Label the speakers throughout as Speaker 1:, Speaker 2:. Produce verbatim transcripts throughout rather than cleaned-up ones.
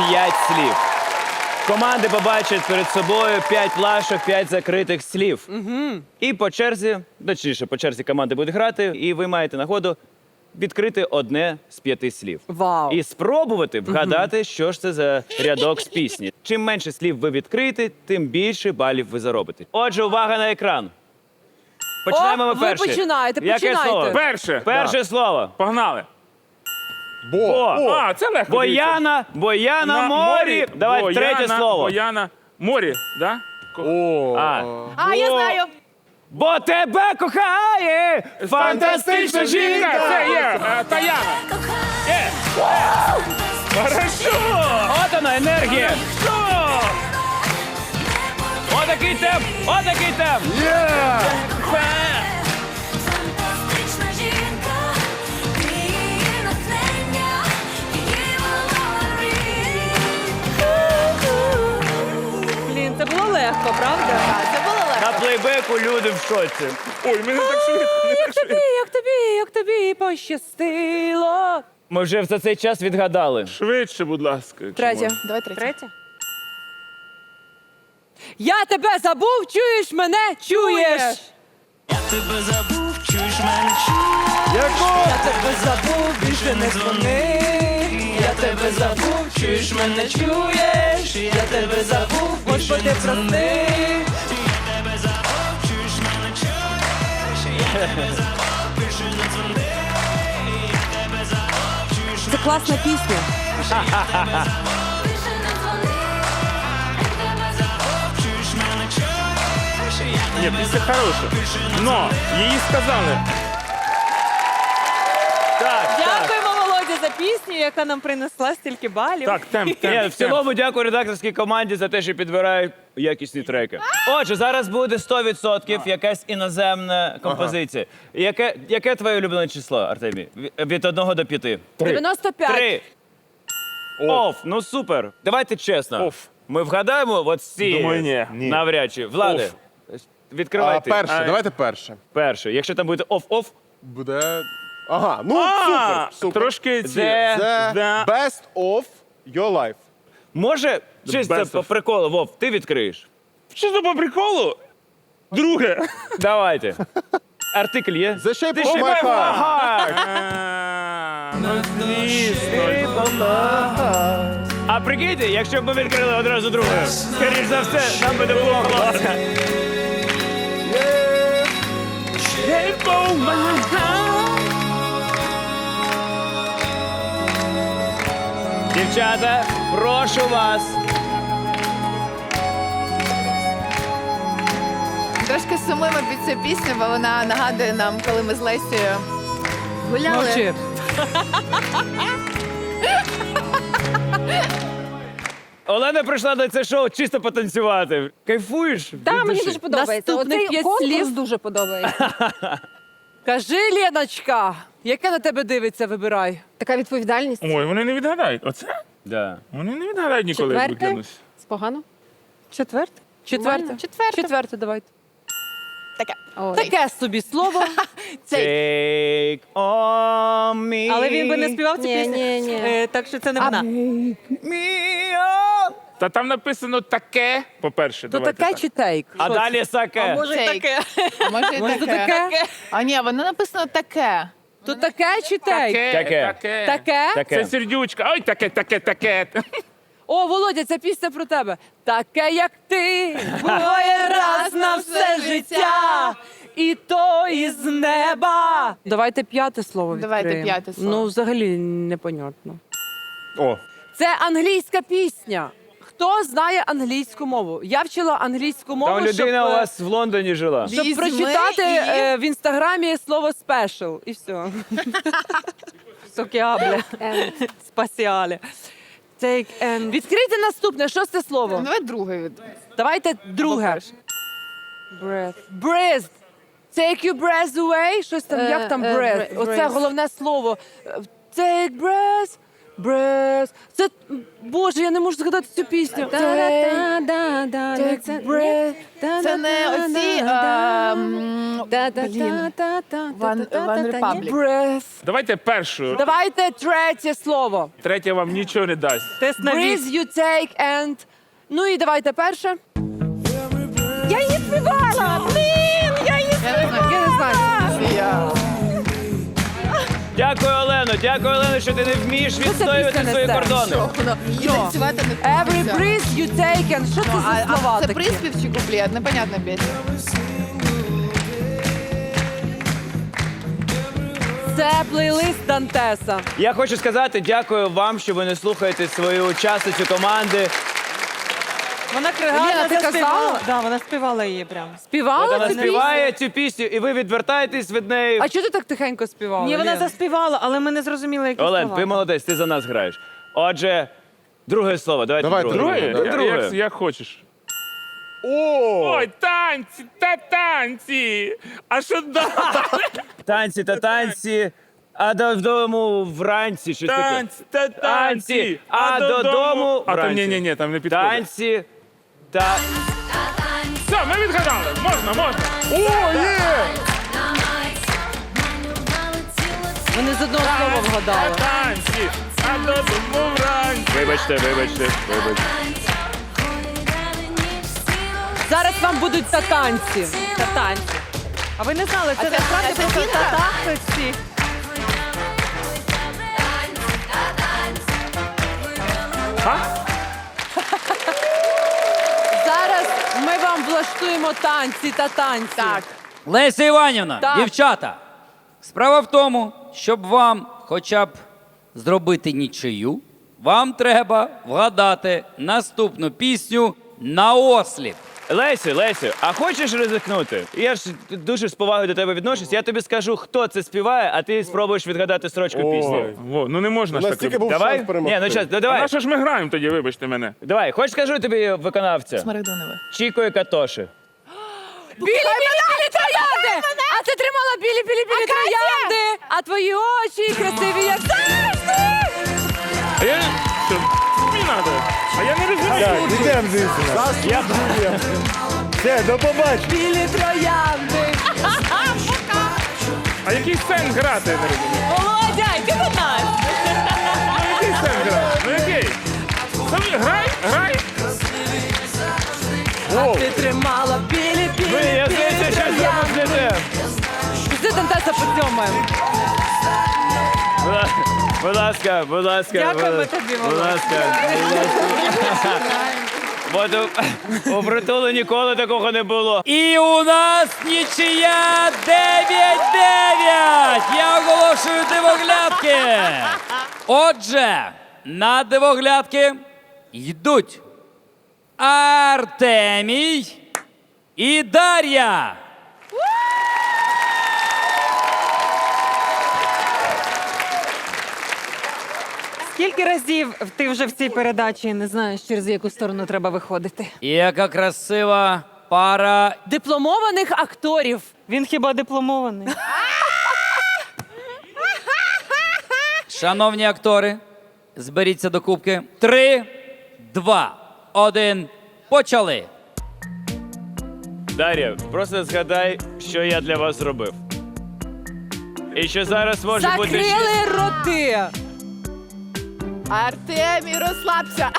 Speaker 1: п'ять слів. Команди побачать перед собою п'ять плашок, п'ять закритих слів. Угу. І по черзі, точніше, по черзі команди будуть грати, і ви маєте нагоду відкрити одне з п'яти слів.
Speaker 2: Вау.
Speaker 1: І спробувати вгадати, угу. що ж це за рядок з пісні. Чим менше слів ви відкриєте, тим більше балів ви заробите. Отже, увага на екран. Починаємо
Speaker 2: О,
Speaker 1: ми
Speaker 2: ви
Speaker 1: перші.
Speaker 2: починаєте,
Speaker 1: Яке
Speaker 2: починайте.
Speaker 1: слово?
Speaker 3: Перше.
Speaker 1: Перше
Speaker 3: Да.
Speaker 1: слово.
Speaker 3: Погнали.
Speaker 1: Бо.
Speaker 3: О, а, це легко.
Speaker 1: Бояна, Бояна,
Speaker 3: На
Speaker 1: морі. Давай
Speaker 3: Бояна,
Speaker 1: третє слово.
Speaker 3: Бояна, морі, да?
Speaker 4: О,
Speaker 1: А.
Speaker 2: А, я знаю.
Speaker 1: Бо тебе кохає фантастична жінка.
Speaker 3: Це є е, Таяна. Є. Хорошо.
Speaker 1: От вона, енергія. Отакий темп, отакий темп.
Speaker 5: Фантастична жінка, її натхнення, її володарі.
Speaker 2: Блін, це було легко, правда? Це було легко.
Speaker 1: На плейбеку люди в шоці.
Speaker 3: Ой, мене так швидко. не так швидко.
Speaker 2: Як тобі, як тобі пощастило.
Speaker 1: Ми вже за цей час відгадали.
Speaker 3: Швидше, будь ласка. якщо
Speaker 2: Третє.
Speaker 3: можна.
Speaker 6: Давай третє.
Speaker 2: Третє. Я тебе забув, чуєш мене, чуєш?
Speaker 5: Я тебе забув, чуєш мене, чуєш.
Speaker 2: Я тебе забув, більше не дзвони. Я тебе забув, чуєш мене, чуєш. Я тебе забув, Господи, прости.
Speaker 5: Я тебе забув, чуєш мене, чуєш. Я тебе забув, більше не дзвони. Я тебе забув, чуєш
Speaker 2: Це класна пісня.
Speaker 5: більше не дзвони. Я тебе забув, чуєш мене, чуєш. Я
Speaker 3: Ні, пісня хороша. Но її сказали.
Speaker 1: Так, так.
Speaker 2: Дякуємо, Володя, за пісню, яка нам принесла стільки балів.
Speaker 3: Так, темп,
Speaker 1: Ні,
Speaker 3: темп,
Speaker 1: в
Speaker 3: темп.
Speaker 1: цілому дякую редакторській команді за те, що підбирають якісні треки. Отже, зараз буде сто відсотків якась іноземна композиція. Яке, яке твоє улюблене число, Артемій? Ві- Від одного до п'яти?
Speaker 2: дев'яносто п'ять.
Speaker 1: Три. Оф, ну супер. Давайте чесно.
Speaker 3: Оф.
Speaker 1: Ми вгадаємо от ці
Speaker 3: Думаю, ні.
Speaker 4: Ні.
Speaker 1: навряд чи. Влади,
Speaker 4: А,
Speaker 1: відкривайте.
Speaker 4: перше,
Speaker 3: Ай.
Speaker 4: давайте перше.
Speaker 1: Перше. Якщо там буде оф-оф,
Speaker 4: Буде. Ага, ну
Speaker 3: А,
Speaker 4: супер, супер.
Speaker 3: Трошки ці.
Speaker 1: Де?
Speaker 4: The
Speaker 3: Да.
Speaker 4: best of your life.
Speaker 1: може, чисто
Speaker 3: best
Speaker 1: по
Speaker 3: of.
Speaker 1: приколу, Вов, ти відкриєш.
Speaker 3: Що це по приколу? Друге.
Speaker 1: Давайте. Артикль є?
Speaker 4: The shape
Speaker 1: The
Speaker 4: of
Speaker 1: shape
Speaker 4: my
Speaker 1: of my
Speaker 4: heart.
Speaker 1: heart.
Speaker 3: А, Ну, звісно.
Speaker 1: А прикиньте, якщо б ми відкрили одразу друге, скоріш за все, нам би не було голоса. Дівчата, прошу вас.
Speaker 6: Трошки сумуємо під цю пісню, бо вона нагадує нам, коли ми з Лесією гуляли.
Speaker 2: Мовчи.
Speaker 1: Олена прийшла на це шоу чисто потанцювати. Кайфуєш?
Speaker 7: Та,
Speaker 1: від
Speaker 7: мені
Speaker 1: душі?
Speaker 7: дуже подобається.
Speaker 2: Наступних
Speaker 7: Оцей
Speaker 2: п'ять
Speaker 7: конкурс
Speaker 2: слів.
Speaker 7: дуже подобається.
Speaker 2: Кажи, Леночка, яке на тебе дивиться, вибирай.
Speaker 7: Така відповідальність.
Speaker 3: Ой, вони не відгадають. Оце?
Speaker 1: Да.
Speaker 3: Вони не відгадають ніколи, як
Speaker 7: Четверте?
Speaker 3: викинусь.
Speaker 7: Погано?
Speaker 2: Четверте? Четверте.
Speaker 6: Четверте.
Speaker 2: Четверте, давайте.
Speaker 7: Ой.
Speaker 2: Таке собі слово.
Speaker 1: Take on me.
Speaker 2: Але він би не співав цю
Speaker 7: Ні,
Speaker 2: пісню.
Speaker 7: ні, ні.
Speaker 2: Е, так що це не вона.
Speaker 1: Me on.
Speaker 3: Та там написано таке, по-перше,
Speaker 2: То
Speaker 3: давайте
Speaker 2: таке
Speaker 3: так.
Speaker 2: чи тейк?
Speaker 1: А
Speaker 2: Що
Speaker 1: далі саке.
Speaker 2: це? Може, і
Speaker 6: Тейк.
Speaker 2: таке.
Speaker 6: А може і
Speaker 2: Може, то
Speaker 6: таке?
Speaker 2: таке?
Speaker 6: А ні, воно написано таке.
Speaker 2: То таке чи тейк?
Speaker 3: Таке,
Speaker 1: Таке.
Speaker 3: таке.
Speaker 2: Таке?
Speaker 1: Таке.
Speaker 3: Це сердючка. Ой, таке, таке, таке.
Speaker 2: О, Володя, ця пісня про тебе. Таке, як ти, буває раз на все життя. І то із неба. Давайте п'яте слово відкриємо.
Speaker 6: Давайте п'яте слово.
Speaker 2: Ну, взагалі непонятно.
Speaker 4: О,
Speaker 2: Це англійська пісня. Хто знає англійську мову? Я вчила англійську мову,
Speaker 1: Там людина
Speaker 2: щоб,
Speaker 1: у
Speaker 2: е,
Speaker 1: вас в Лондоні жила.
Speaker 2: щоб
Speaker 6: Візьми
Speaker 2: прочитати
Speaker 6: і-
Speaker 2: е, в інстаграмі слово special. І все. Сокіабле.
Speaker 7: Ем,
Speaker 2: Спасіале. Take and... Відкрийте наступне, шосте слово.
Speaker 6: Ну, давай друге від.
Speaker 2: Давайте друге.
Speaker 7: breath.
Speaker 2: Breath. Take your breath away. Щось там,
Speaker 7: Е,
Speaker 2: як там
Speaker 7: е,
Speaker 2: breath?
Speaker 7: bre-
Speaker 2: Оце
Speaker 7: breath.
Speaker 2: головне слово. Е, Take breath. Breath. Це, боже, я не можу згадати цю пісню.
Speaker 7: Та-да-да-да-да.
Speaker 2: Take
Speaker 7: Це-
Speaker 2: breath.
Speaker 6: Це не оці...
Speaker 7: Да-да-да-да-да.
Speaker 6: ем, Блін.
Speaker 7: Та-та-та-та-та.
Speaker 6: One- One Republic.
Speaker 2: Breath.
Speaker 3: Давайте першу.
Speaker 2: Давайте третє слово.
Speaker 3: Третя вам нічого не дасть.
Speaker 2: Тест на Breathe, you take and... Ну і давайте перше.
Speaker 7: Я її співала! Блін, я її
Speaker 6: Я не знаю, я не знаю. цю пісню.
Speaker 1: Дякую, Олено. Дякую, Олено, що ти не вмієш
Speaker 2: це
Speaker 1: відстоювати
Speaker 2: пісня
Speaker 1: свої
Speaker 2: несе?
Speaker 1: кордони.
Speaker 6: Що воно? І танцювати не
Speaker 2: Every
Speaker 6: хочеться.
Speaker 2: breath you take and... Що це
Speaker 6: Ну,
Speaker 2: за
Speaker 6: а-
Speaker 2: слова
Speaker 6: а Це
Speaker 2: такі?
Speaker 6: приспів чи куплет? Непонятна пісня.
Speaker 2: Це плейлист Дантеса.
Speaker 1: Я хочу сказати дякую вам, що ви не слухаєте свою учасницю команди.
Speaker 8: Вона
Speaker 2: Лена,
Speaker 8: гарно
Speaker 2: ти казала?
Speaker 8: заспівала. Да, вона співала її прям.
Speaker 2: Співала
Speaker 1: Вона
Speaker 2: цю пісню?
Speaker 1: співає цю пісню, і ви відвертаєтесь від неї.
Speaker 2: А чого ти так тихенько співала?
Speaker 8: Ні, вона
Speaker 2: Лен?
Speaker 8: заспівала, але ми не зрозуміли, які
Speaker 1: Олен,
Speaker 8: слова.
Speaker 1: ти молодець, ти за нас граєш. Отже, друге слово. Давайте
Speaker 4: Давай,
Speaker 1: друге.
Speaker 3: Друге?
Speaker 1: Друге.
Speaker 3: Я-
Speaker 1: Друге.
Speaker 3: Як, як хочеш.
Speaker 4: О!
Speaker 3: Ой, танці, та танці. А що далі?
Speaker 1: Танці та танці, а додому вранці. Щось таке.
Speaker 3: Танці, та танці.
Speaker 1: а додому
Speaker 3: А там
Speaker 1: вранці.
Speaker 3: ні, ні, ні, там не підходить.
Speaker 1: Танці та...
Speaker 3: Все, ми відгадали. Можна, можна.
Speaker 4: О, є!
Speaker 2: Вони з одного слова вгадали.
Speaker 3: Танці, а додому вранці.
Speaker 1: Вибачте, вибачте, вибачте.
Speaker 2: Зараз вам будуть татанці.
Speaker 8: Татанці. А ви не знали, це
Speaker 6: це-
Speaker 8: насправді
Speaker 6: а це
Speaker 8: просто
Speaker 6: фінка?
Speaker 8: татахи всі.
Speaker 2: Зараз ми вам влаштуємо танці та танці.
Speaker 6: Так.
Speaker 9: Леся Іванівна,
Speaker 2: Так.
Speaker 9: дівчата, справа в тому, щоб вам хоча б зробити нічию, вам треба вгадати наступну пісню наосліп.
Speaker 1: Лесю, Лесю, а хочеш ризикнути? Я ж дуже з повагою до тебе відношусь. Я тобі скажу, хто це співає, а ти спробуєш відгадати строчку
Speaker 4: Ой.
Speaker 1: пісні.
Speaker 3: Во, ну не можна
Speaker 4: У
Speaker 3: ж
Speaker 4: нас
Speaker 3: таке.
Speaker 4: тільки був
Speaker 1: Давай?
Speaker 4: шанс перемогти.
Speaker 1: Ні, ну час, ну,
Speaker 3: А
Speaker 1: давай.
Speaker 3: на що ж ми граємо тоді, вибачте мене?
Speaker 1: Давай, хоч скажу тобі виконавця.
Speaker 6: Смарагдонове.
Speaker 1: Чіко і Катоші.
Speaker 2: Білі, білі, білі троянди! А ти тримала білі, білі, білі троянди! А твої очі красиві, як завжди!
Speaker 3: А я... Що? Мені надо. А я не розумію.
Speaker 4: Ідемо звідси.
Speaker 1: Я...
Speaker 4: Все, до побачення.
Speaker 2: Білі троянди!
Speaker 3: А який сенс грати, я не розумію?
Speaker 8: Володя, йди до нас!
Speaker 3: Ну який сенс грати? Ну який? Самі грай, грай.
Speaker 2: Ти тримала білі, білі,
Speaker 1: Ви, я
Speaker 2: білі
Speaker 1: здається, що
Speaker 2: троянди!
Speaker 1: зробите.
Speaker 2: Пішли Дантеса поцьомаємо.
Speaker 1: Будь ласка, будь ласка.
Speaker 8: Дякуємо
Speaker 1: будь-
Speaker 8: тобі,
Speaker 1: Будь
Speaker 8: Володя.
Speaker 1: ласка. От у, у притулу ніколи такого не було.
Speaker 9: І у нас нічия дев'ять дев'ять! Я оголошую дивоглядки! Отже, на дивоглядки йдуть Артемій і Дар'я.
Speaker 8: Скільки разів ти вже в цій передачі не знаєш, через яку сторону треба виходити?
Speaker 9: Яка красива пара.
Speaker 2: Дипломованих акторів.
Speaker 8: Він хіба дипломований?
Speaker 9: Шановні актори, зберіться до кубки. Три, два, один. Почали.
Speaker 1: Дар'я, просто згадай, що я для вас зробив. І що зараз може бути ще...
Speaker 2: Закрили роти.
Speaker 6: Артемій, розслабся.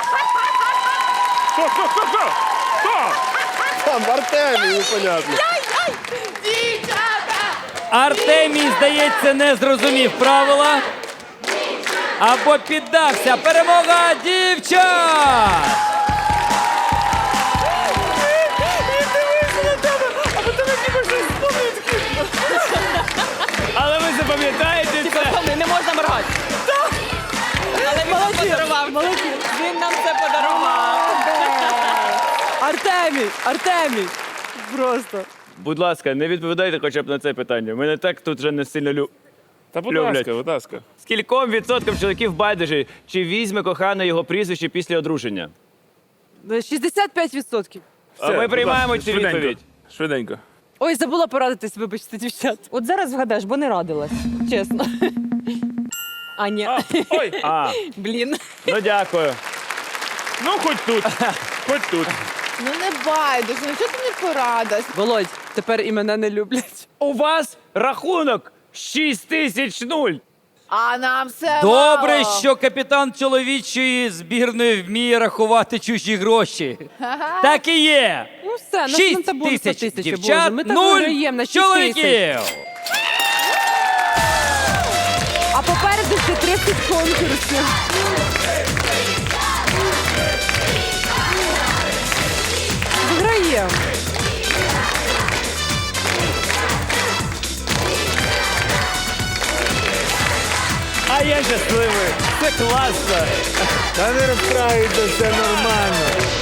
Speaker 3: Хто, хто, хто, хто? Хто?
Speaker 4: Там Артемій, непонятно.
Speaker 6: Дівчата!
Speaker 9: Артемій, здається, не зрозумів правила. Або піддався. Перемога дівчат!
Speaker 1: Але ви запам'ятаєте це?
Speaker 8: Не можна моргати. Але він нам подарував. Він нам це подарував.
Speaker 2: Артемій, Артемій. Просто.
Speaker 1: Будь ласка, не відповідайте хоча б на це питання. Мене так тут вже не сильно лю...
Speaker 3: Та будь
Speaker 1: Люблять.
Speaker 3: ласка, будь ласка.
Speaker 1: Скільком відсоткам чоловіків байдуже, чи візьме кохана його прізвище після одруження?
Speaker 2: шістдесят п'ять відсотків.
Speaker 1: А ми
Speaker 3: будь
Speaker 1: приймаємо
Speaker 3: ласка,
Speaker 1: цю
Speaker 3: швиденько.
Speaker 1: відповідь.
Speaker 3: Швиденько.
Speaker 2: Ой, забула порадитись, вибачте, дівчат.
Speaker 8: От зараз вгадаєш, бо не радилась, чесно. А, ні.
Speaker 3: А, ой,
Speaker 1: А,
Speaker 8: Блін.
Speaker 1: ну дякую.
Speaker 3: ну хоч тут, хоч тут.
Speaker 6: Ну не байдуже, ну чого ти не порадиш?
Speaker 2: Володь, тепер і мене не люблять.
Speaker 1: У вас рахунок шість тисяч нуль.
Speaker 6: А нам все
Speaker 9: Добре,
Speaker 6: мало.
Speaker 9: що капітан чоловічої збірної вміє рахувати чужі гроші. Так і є.
Speaker 2: Ну все, на
Speaker 9: Шість
Speaker 2: табору сто
Speaker 9: тисяч
Speaker 2: тисяч, Боже.
Speaker 9: дівчат,
Speaker 2: Ми так
Speaker 9: нуль
Speaker 2: виграємо на шість тисяч.
Speaker 9: чоловіків.
Speaker 2: А попереду ще тридцять конкурсів. Виграємо.
Speaker 1: А я щасливий. Це класно.
Speaker 4: Та не розстраюйся, все нормально.